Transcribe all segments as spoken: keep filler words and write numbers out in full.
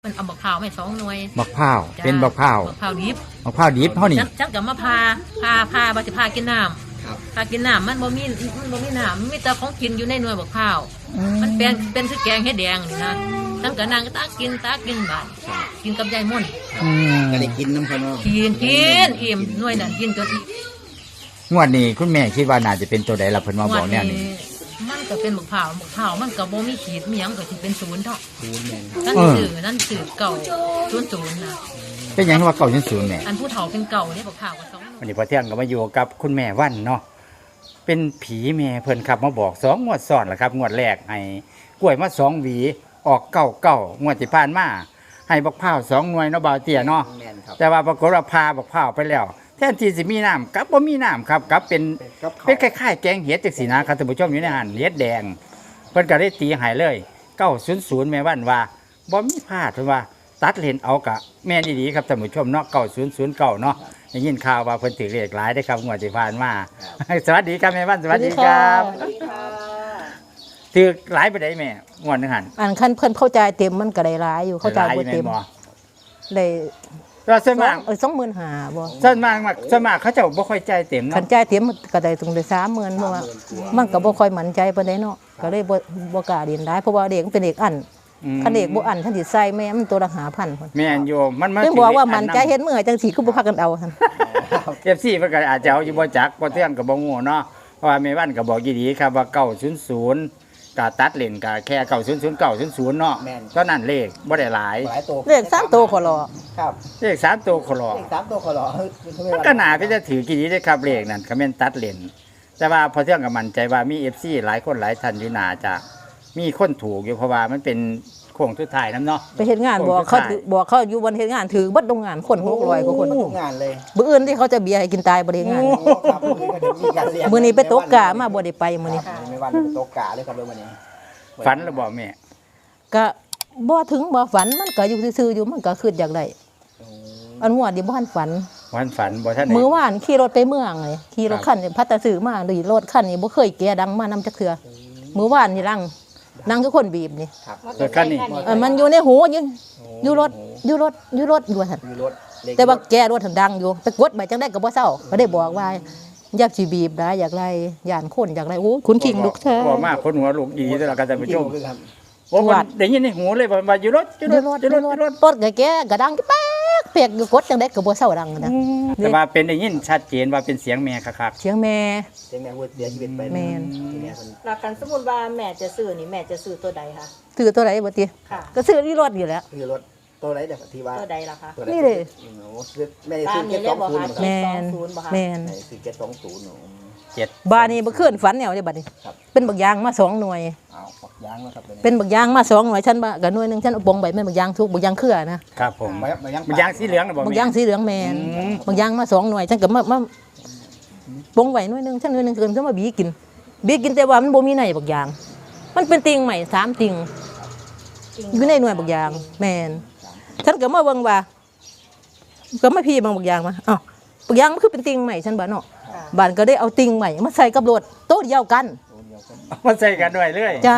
มันเอาบักพร้าวไม่สองหน่วยบักพร้าวเป็นบักพร้าวบักพร้าวดิบบักพร้าวดิบเท่านี้จักกับมาพาพาพาบาสิพากินน้ำพากินน้ำมันบ่มีมันบ่มีน้ำมันมีแต่ของกินอยู่ในหน่วยบักพร้าวมันเป็นเป็นคือแกงเฮ็ดแดงนี่นะทั้งกับนางก็ตักกินตักกินบาดกินกับยายม่นก็ได้กินน้ำเขาเนาะกินกินอิ่มหน่วยนั่นกินจนงวดนี้คุณแม่คิดว่าน่าจะเป็นตัวใดล่ะเพิ่นมาบอกแนวนี้มันก็เป็นบักพร้าวบักพร้าวมันก็บ่มีขีดมีหยังก็สิเป็นศูนย์เนาะศูนย์แม่นนั่นสื่อนั่นสื่อเก่าศูนย์ศูนย์นะเป็นหยังว่าเก่าศูนย์ศูนย์แม่อันผู้เฒ่าเป็นเก่าเนี่ยบักพร้าวก็สองวันนี้พอเที่ยงก็มาอยู่กับคุณแม่วันเนาะเป็นผีแม่เพิ่นครับมาบอกสองงวดซ้อนล่ะครับงวดแรกให้กล้วยมาสองหวีออกเก้าเก้างวดที่ผ่านมาให้บักพร้าวสองหน่วยเนาะบ่าวเตี้ยเนาะแต่ว่าปรากฏว่าพาบักพร้าวไปแล้วแทนที่สิมีน้ำกับบ่มีน้ำครับกับเป็นเป็นคล้ายๆแกงเห็ดจังซี่นะครับท่านผู้ชมอยู่ในอาหารเห็ดแดงเพิ่นก็ได้ตีให้เลยเก้าศูนย์ศูนย์แม่วันว่าบ่มีพลาดเพิ่นว่าตัดเลนเอากะแม่นดีๆครับท่านผู้ชมเนาะเก้าศูนย์ศูนย์เก้าเนาะได้ยินข่าวว่าเพิ่นถือเลขหลายได้ครับงวดที่ผ่านมาสวัสดีครับแม่วันสวัสดีครับถือหลายไปได้แม่งวดนึงหั่นอันคันเพิ่นเข้าใจเต็มมันก็ได้หลายอยู่เข้าใจบ่เต็มได้ก็ส่วนมากเออ สองหมื่นห้าพัน บ่ส่วนมากส่วนมากเขาเจ้าบ่ค่อยใจเต็มเนาะคันใจเต็มก็ได้ถึงได้ สามหมื่น เพราะว่ามันก็บ่ค่อยมั่นใจปานใดเนาะก็เลยบ่บ่กล้าเรียนได้เพราะว่าเด็กมันเป็นเด็กอั้นคันเด็กบ่อั้นท่านสิใส่แม่มันตัวละ ห้าพัน พุ่นแม่นอยู่มันมันเพิ่นบอกว่ามั่นใจเห็นมื้อจังสิคือบ่พากันเอาหั่นเอฟ ซี เพิ่นก็อาจจะเอาอยู่บ่จักบ่เทื่องก็บ่งูเนาะเพราะว่าแม่วันก็บอกดีๆครับว่าเก้าศูนย์ศูนย์ก็ตัดเล่นก็แค่เก้าศูนย์ศูนย์ เก้าศูนย์ศูนย์เนาะเท่านั้นเลขบ่ได้หลายหลายตัวเลขสามตัวขอรอครับเลขสามตัวขอรอเลขสามตัวขอรอมันก็น่าที่จะถือกี่ดีได้ครับเลขนั่นก็แม่นตัดเล่นแต่ว่าพอเทื่องก็มั่นใจว่ามี เอฟ ซี หลายคนหลายท่านอยู่น่าจะมีคนถูกอยู่เพราะว่ามันเป็นโค้งสุดท้ายนำเนาะไปเฮ็ดงานบอกเขาบอกเขาอยู่บนเฮ็ดงานถือเบิดโรงงานคนหกร้อยกว่าคนทุกงานเลยมื้ออื่นที่เขาจะเบียร์ให้กินตายบ่ได้งานมื้อนี้ไปตกกะมาบ่ได้ไปมื้อนี้ไม่วันไปตกกะเลยครับเรื่องมื้อนี้ฝันแล้วบ่แม่ก็บ่ถึงบ่ฝันมันก็อยู่ซื่อๆอยู่มันก็คิดอยากได้อันว่าดิบ่ทันฝันวันฝันบ่ทันมื้อวานขี่รถไปเมืองเลยขี่รถคันนี้พัดตะซื้อมาดีรถคันนี้บ่เคยแกดังมานำจักเทื่อมื้อวานนี่ลังนั่งคือคนบีบนี่ครับรถคันนี้มันอยู่ในหูอยู่อยู่รถอยู่รถอยู่รถอยู่หั่นแต่ว่าแกรถทันดังอยู่ไปกดไปจังได้ก็บ่เซาก็ได้บอกว่าอยากสิบีบได้อยากไรย่านคนอยากไรโอ้คุณคิงลูกแท้บ่มาคนหัวลูกดีแต่ละกันท่านผู้ชมโอ้ว่าได้ยินในหูเลยว่าอยู่รถอยู่รถอยู่รถอยู่รถรถก็แกก็ดังแป๊กเปียกอยู่กดจังได้ก็บ่เซาดังนะแต่ว่าเป็นได้ยินชัดเจนว่าเป็นเสียงแม่คักๆเสียงแม่เสียงแม่ว่าเสียชีวิตไปแม่นหลักกันสมมุติว่าแม่จะซื้อนี่แม่จะซื้อตัวใดคะซื้อตัวใดบ่ติก็ซื้อที่รถอยู่แล้วซื้อรถตัวไหนเดี๋ยวที่ว่าตัวใดล่ะคะนี่เด้แม่ซื้อเจ็ดสองศูนย์แม่นแม่นซื้อเจ็ดสองศูนย์บ้านนี้บ่คืนฝันแนวเด้บัดนี้เป็นบักยางมาสองหน่วยอ้าวบักยางนะครับเป็นบักยางมาสองหน่วยฉันบ่ก็หน่วยนึงฉันเอาปงใบแม่บักยางทุกบักยางเครือนะครับผมบักยางสีเหลืองน่ะบ่บักยางสีเหลืองแม่นบักยางมาสองหน่วยฉันก็มามาปงไว้หน่วยนึงฉันหน่วยนึงเกินฉันมาบีกินบีกินแต่ว่ามันบ่มีในบักยางมันเป็นติ่งใหม่สามติ่งอยู่ในหน่วยบักยางแม่นฉันก็มาเบิ่งว่าก็มาพี่บางบักยางมาอ้าวบักยางมันคือเป็นติ่งใหม่ฉันบ่เนาะบ้านก็ได้เอาติ่งใหม่มาใส่กับรถโต๊ะเดียวกันมาใส่กันด้วยเลยจ้า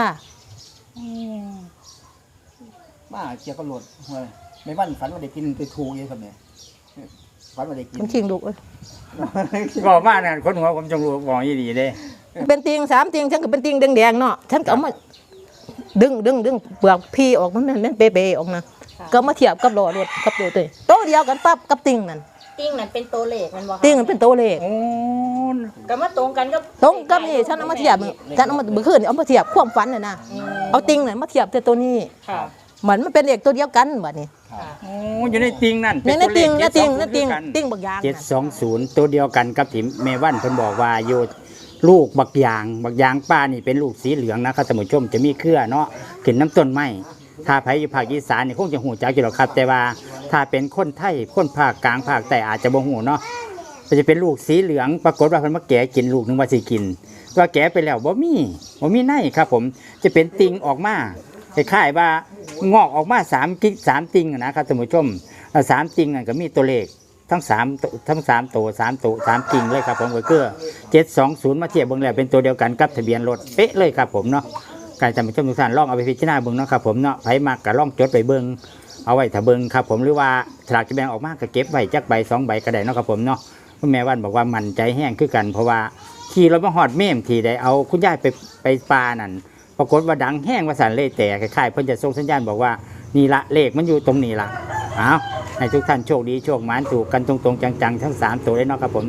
มาเกี่ยวกับรถเฮ้ยไม่วันฝันว่าได้กินไปถูกเยอะครับเนี่ยฝันว่าได้กินมันชิงลูกเอ้ยบอกมานั่นคนหัวผมจงรู้บอกอีดีเด้เป็นติ่งสามติ่งฉันก็เป็นติ่งแดงๆเนาะฉันก็เอามาดึงดึงดึงเปลือกพี่ออกมันนั่นเป๊ะๆออกนะก็มาเทียบกับล้อรถกับตัวตัวโต๊ะเดียวกันปั๊บกับติ่งนั่นติ่งนั่นเป็นตัวเลขมันบ่คะติ่งมันเป็นตัวเลขก็มาตรงกันกับตรงกับนี่ฉันเอามาเทียบฉันเอามาเมื่อคืนเอามาเทียบความฝันน่ะนะเอาติ่งนั่นมาเทียบแต่ตัวนี้เหมือนมันเป็นเลขตัวเดียวกันบัดนี้โอ้อยู่ในติ่งนั่นในติ่งในติ่งในติ่งติ่งบักยางเจ็ดสองศูนย์ตัวเดียวกันกับที่แม่วันเพิ่นบอกว่าอยู่ลูกบักยางบักยางป้านี่เป็นลูกสีเหลืองนะครับท่านผู้ชมจะมีเครือเนาะขึ้นน้ำต้นไม้ถ้าไผอยู่ภาคอีสานนี่คงจะหูจักอยู่หรอกครับแต่ว่าถ้าเป็นคนไทยคนภาคกลางภาคใต้อาจจะบ่หูเนาะจะเป็นลูกสีเหลืองปรากฏว่าเพิ่นมาแกะกินลูกนึงว่าสิกินว่าแกะไปแล้วบ่มีบ่มีในครับผมจะเป็นติ่งออกมาคล้ายๆว่างอกออกมาสามกิ๊กสามติ่งนะครับท่านผู้ชมสามติ่งนั่นก็มีตัวเลขทั้งสามทั้งสามตัวสามตัวสามติ่งเลยครับผมก็คือเจ็ดสองศูนย์มาเทียบเบิ่งแล้วเป็นตัวเดียวกันกับทะเบียนรถเป๊ะเลยครับผมเนาะการจำเป็นทุกท่านลองเอาไปพิจารณาเบิ่งเนาะครับผมเนาะไผมักก็ลองจดไปเบิ่งเอาไว้ถ้าเบิ่งครับผมหรือว่าฉลากจะแบ่งออกมาก็เก็บไว้จักใบสองใบก็ได้เนาะครับผมเนาะคุณแม่วันบอกว่ามันใจแห้งคือกันเพราะว่าขี่รถมาหอดเมมที่ได้เอาคุณยายไปไปปลานั่นปรากฏว่าดังแห้งว่าสันเลยแต่คล้ายๆเพิ่นจะส่งสัญญาณบอกว่านี่ละเลขมันอยู่ตรงนี้ละเอาให้ทุกท่านโชคดีโชคหมานถูกกันตรงๆจังๆทั้งสามตัวเลยเนาะครับผม